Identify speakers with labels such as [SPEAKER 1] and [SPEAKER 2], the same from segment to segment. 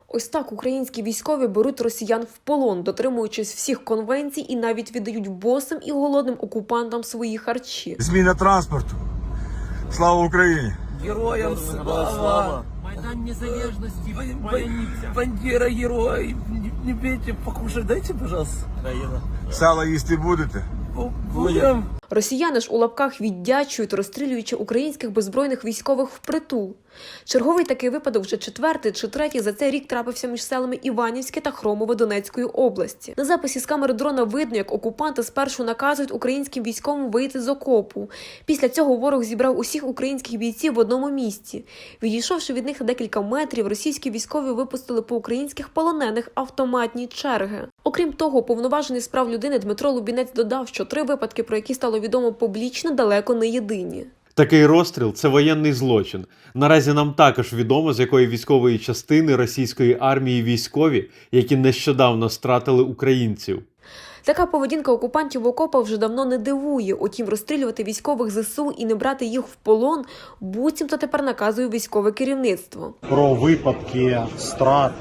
[SPEAKER 1] Ось так українські військові беруть росіян в полон, дотримуючись всіх конвенцій і навіть віддають босим і голодним окупантам свої харчі.
[SPEAKER 2] Зміна транспорту. Слава Україні!
[SPEAKER 3] Героям слава!
[SPEAKER 4] Майдан Незалежности,
[SPEAKER 3] Бандера герой! Не бейте, покушать дайте, пожалуйста.
[SPEAKER 2] Сало їсти будете?
[SPEAKER 3] Будем.
[SPEAKER 1] Росіяни ж у лапках віддячують, розстрілюючи українських беззбройних військових впритул. Черговий такий випадок вже четвертий чи третій за цей рік трапився між селами Іванівське та Хромове Донецької області. На записі з камери дрона видно, як окупанти спершу наказують українським військовим вийти з окопу. Після цього ворог зібрав усіх українських бійців в одному місці. Відійшовши від них на декілька метрів, російські військові випустили по українських полонених автоматні черги. Окрім того, уповноважений з прав людини Дмитро Лубінець додав, що 3 випадки, про які стало відомо публічно, далеко не єдині.
[SPEAKER 5] Такий розстріл – це воєнний злочин. Наразі нам також відомо, з якої військової частини російської армії військові, які нещодавно стратили українців.
[SPEAKER 1] Така поведінка окупантів в окопах вже давно не дивує. Утім, розстрілювати військових ЗСУ і не брати їх в полон буцімто тепер наказує військове керівництво.
[SPEAKER 6] Про випадки страт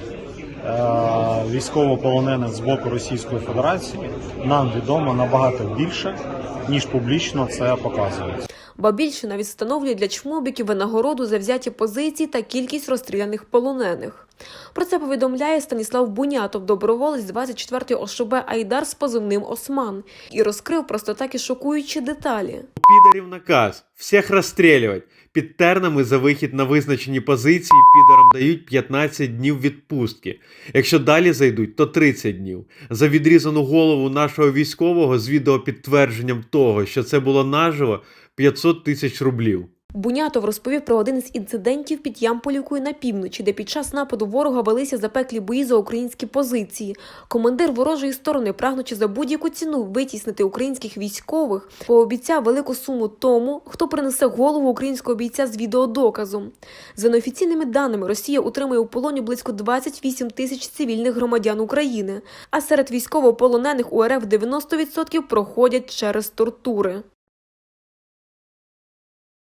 [SPEAKER 6] військовополонених з боку Російської Федерації нам відомо набагато більше, ніж публічно це показується.
[SPEAKER 1] Ба більше навіть встановлює для чмобіків винагороду за взяті позиції та кількість розстріляних полонених. Про це повідомляє Станіслав Бунятов, доброволець 24-ї ОШБ «Айдар» з позивним «Осман». І розкрив просто такі шокуючі деталі.
[SPEAKER 5] У підарів наказ – всіх розстрілювати. Під тернами за вихід на визначені позиції підарам дають 15 днів відпустки. Якщо далі зайдуть, то 30 днів. За відрізану голову нашого військового з відеопідтвердженням того, що це було наживо, 500 тисяч рублів.
[SPEAKER 1] Бунятов розповів про один із інцидентів під Ямполівкою на півночі, де під час нападу ворога велися запеклі бої за українські позиції. Командир ворожої сторони, прагнучи за будь-яку ціну витіснити українських військових, пообіцяв велику суму тому, хто принесе голову українського бійця з відеодоказом. За неофіційними даними, Росія утримує у полоні близько 28 тисяч цивільних громадян України, а серед військовополонених у РФ 90% проходять через тортури.